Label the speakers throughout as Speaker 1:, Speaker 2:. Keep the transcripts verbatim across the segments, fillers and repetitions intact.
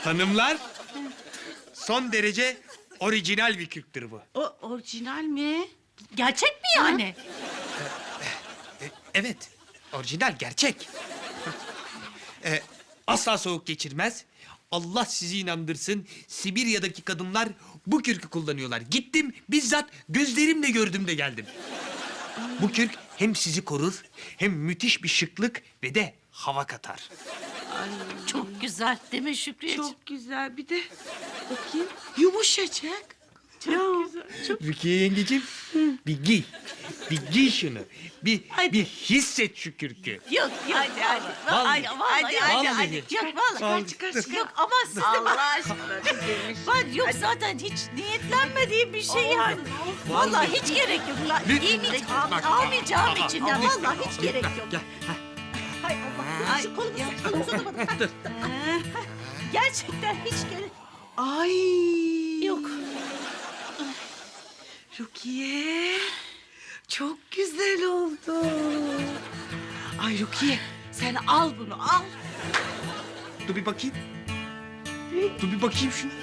Speaker 1: Hanımlar, son derece orijinal bir kürktür bu.
Speaker 2: O orijinal mi?
Speaker 3: Gerçek mi yani?
Speaker 1: E, evet, orijinal, gerçek. E, asla soğuk geçirmez. Allah sizi inandırsın, Sibirya'daki kadınlar bu kürkü kullanıyorlar. Gittim, bizzat gözlerimle gördüm de geldim. Bu kürk hem sizi korur, hem müthiş bir şıklık ve de hava katar.
Speaker 3: Çok güzel değil mi Şükriyeciğim?
Speaker 2: Çok güzel. Bir de bakayım yumuşacık. Çok güzel. Çok
Speaker 1: Rukiye yengeciğim, bir giy. Bir giy şunu. Bir,
Speaker 3: Hadi.
Speaker 1: bir hisset şu kürkü.
Speaker 3: Yok yok.
Speaker 2: Hadi, hadi.
Speaker 3: Vallahi,
Speaker 1: Vallahi.
Speaker 3: vallahi,
Speaker 2: Hadi,
Speaker 3: vallahi.
Speaker 1: hadi,
Speaker 3: Yok
Speaker 1: hadi.
Speaker 3: vallahi.
Speaker 1: Vallahi.
Speaker 2: çıkar çıkar.
Speaker 3: Yok ama siz de
Speaker 2: Allah
Speaker 3: bak.
Speaker 2: aşkına demiş.
Speaker 3: Ben yok zaten hiç niyetlenmediğim bir şey yani. Vallahi hiç gerek yok. Ben
Speaker 1: Lütfen.
Speaker 3: giymeyeceğim,
Speaker 1: Bak,
Speaker 3: almayacağım
Speaker 1: bak,
Speaker 3: içinden.
Speaker 1: bak,
Speaker 3: Vallahi hiç gerek
Speaker 1: bak,
Speaker 3: yok.
Speaker 1: Gel. Heh.
Speaker 3: Hay Allah. Şu kolumu kolumu uzatamadım. Gerçekten hiç gerek
Speaker 2: Ay.
Speaker 3: yok.
Speaker 2: Rukiye. Çok güzel oldu. Ay Rukiye sen al bunu al.
Speaker 1: Dur bir bakayım. Dur bir bakayım şunu.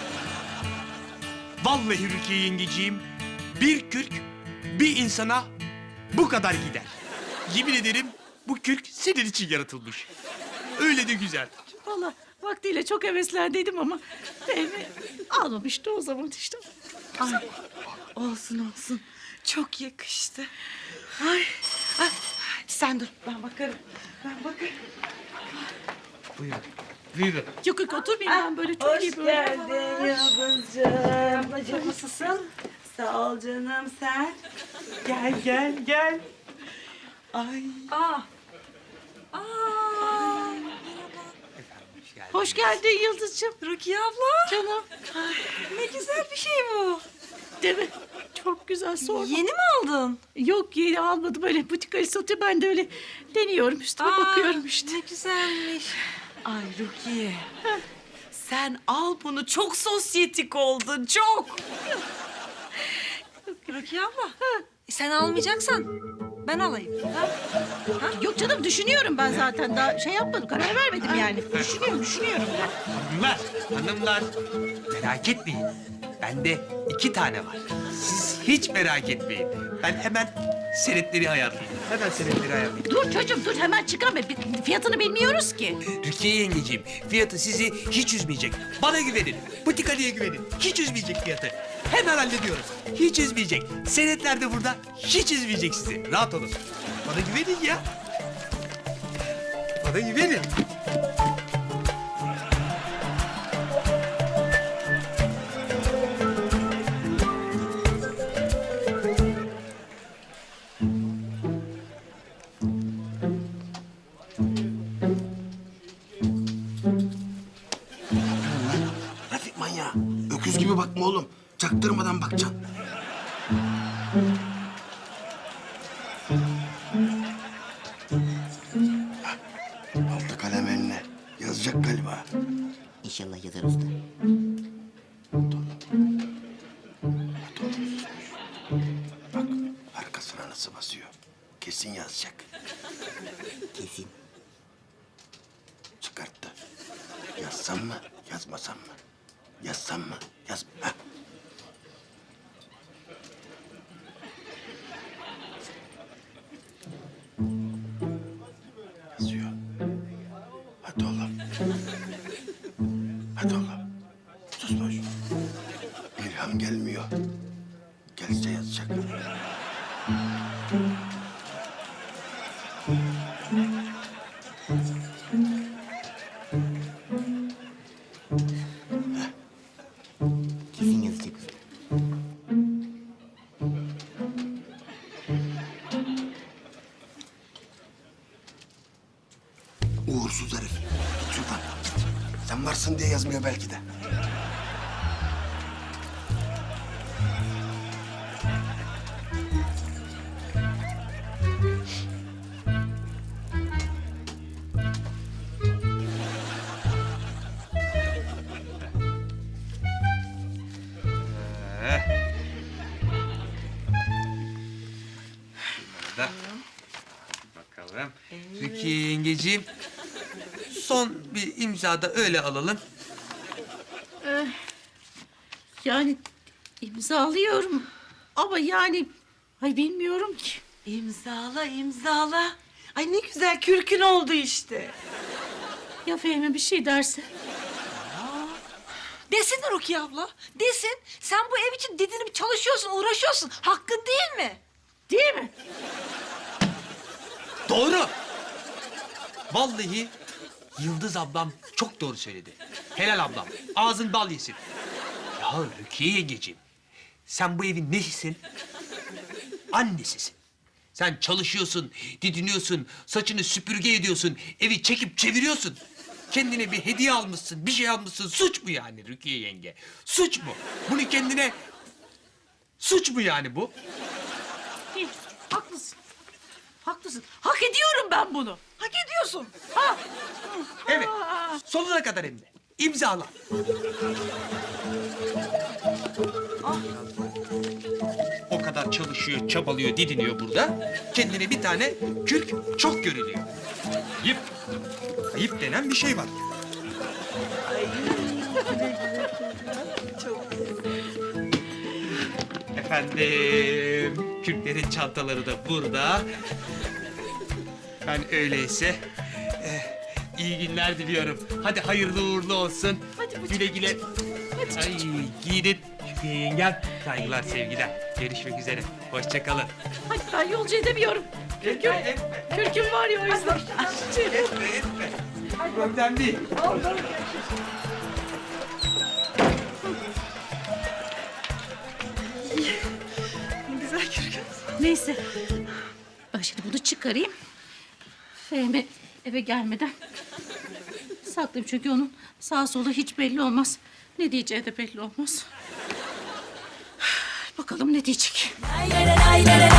Speaker 1: Vallahi Rukiye yengeciğim, bir kürk bir insana bu kadar gider. Yemin ederim bu kürk senin için yaratılmış. Öyle de güzel.
Speaker 3: Vallahi vaktiyle çok heveslendiydim ama Fehmi almamıştı o zaman işte.
Speaker 2: Ay. Olsun olsun. Çok yakıştı. Ay. Ay. Sen dur ben bakarım. Ben bakarım.
Speaker 1: Buyurun. Buyurun.
Speaker 3: Yok yok oturmayayım ben böyle çok iyi böyle.
Speaker 2: Yıldızcığım. Ablacığım nasılsın? Sağ ol canım sen. Gel gel gel. Ay.
Speaker 3: Aa. Aa.
Speaker 1: Hoş geldin.
Speaker 3: Hoş geldin Yıldız'cığım.
Speaker 2: Rukiye abla.
Speaker 3: Canım.
Speaker 2: Ne güzel bir şey bu.
Speaker 3: Değil mi? Çok güzel sorma.
Speaker 2: Yeni mi aldın?
Speaker 3: Yok yeni almadım böyle butikayı satıyor ben de öyle deniyorum üstüme bakıyorum işte.
Speaker 2: Ne güzelmiş. Ay Rukiye. Sen al bunu. Çok sosyetik oldun. Çok. Rukiye abla. Sen almayacaksan ben alayım. Ha?
Speaker 3: Yok canım düşünüyorum ben zaten daha şey yapmadım karar vermedim yani. Düşünüyorum düşünüyorum ben.
Speaker 1: Hanımlar, hanımlar merak etmeyin. Bende iki tane var. Siz hiç merak etmeyin. Ben hemen senetleri ayarlayayım. Hemen senetleri ayarlayayım.
Speaker 3: Dur çocuğum dur hemen çıkarma Bi- fiyatını bilmiyoruz ki.
Speaker 1: Rukiye yengeciğim, fiyatı sizi hiç üzmeyecek. Bana güvenin, butik Ali'ye güvenin. Hiç üzmeyecek fiyatı. Hemen hallediyorum. Hiç üzmeyecek. Senetler de burada. Hiç üzmeyecek sizi. Rahat olun. Bana güvenin ya. Bana güvenin.
Speaker 4: Trafik manyağı. Öküz gibi bakma oğlum. Çaktırmadan bakacaksın. Hah, aldı kalem eline. Yazacak galiba.
Speaker 5: İnşallah yazar usta.
Speaker 4: Bak arkasına nasıl basıyor. Kesin yazacak.
Speaker 5: Kesin.
Speaker 4: Çıkarttı. Yazsam mı, yazmasam mı? Yazsam mı, yaz... Hah. Yazıyor. Hadi oğlum. Hadi oğlum. Sus boş. İlham gelmiyor. Gelse yazacak.
Speaker 5: Kesin yazacak usta.
Speaker 4: Uğursuz herif. Git şuradan. Git. Sen varsın diye yazmıyor belki de.
Speaker 1: Da. Bakalım. Rukiye yengeciğim, son bir imza da öyle alalım.
Speaker 3: Yani imzalıyorum ama yani ay bilmiyorum ki.
Speaker 2: İmzala, imzala. Ay ne güzel kürkün oldu işte.
Speaker 3: Ya Fehmi bir şey derse?
Speaker 6: Desin Rukiye abla, desin. Sen bu ev için didinip çalışıyorsun, uğraşıyorsun. Hakkın değil mi?
Speaker 3: Değil mi?
Speaker 1: Doğru. Vallahi Yıldız ablam çok doğru söyledi. Helal ablam. Ağzın bal yesin. Ya Rukiye yengeciğim. Sen bu evin nesisin? Annesisin. Sen çalışıyorsun, didiniyorsun, saçını süpürge ediyorsun, evi çekip çeviriyorsun. Kendine bir hediye almışsın, bir şey almışsın. Suç mu yani Rukiye yenge? Suç mu? Bunu kendine... Suç mu yani bu?
Speaker 3: Değil. Haklısın. Haklısın. Hak ediyorum ben bunu.
Speaker 6: Hak ediyorsun.
Speaker 3: Ha.
Speaker 1: Evet. Sonuna kadar hem de. İmzala. O kadar çalışıyor, çabalıyor, didiniyor burada. Kendine bir tane kürk çok görülüyor. Ayıp. Ayıp denen bir şey var. Efendim, kürklerin çantaları da burada. Ben öyleyse eh, iyi günler diliyorum. Hadi hayırlı uğurlu olsun.
Speaker 3: Hadi bacım.
Speaker 1: Güle güle. Ay giyinin. Şükrüye yengem. Saygılar, sevgiler. Görüşmek üzere. Hoşça kalın.
Speaker 3: Hadi ben yolcu edemiyorum.
Speaker 1: Etme, etme.
Speaker 3: Kürküm var ya o yüzden.
Speaker 1: Etme, etme. Problem değil.
Speaker 2: Güzel kürkün.
Speaker 3: Neyse. Ben şimdi bunu çıkarayım. Fehmi eve gelmeden saklayayım çünkü onun sağ solu hiç belli olmaz. Ne diyeceği de belli olmaz. Bakalım ne diyecek.
Speaker 6: Lay lay lay lay lay.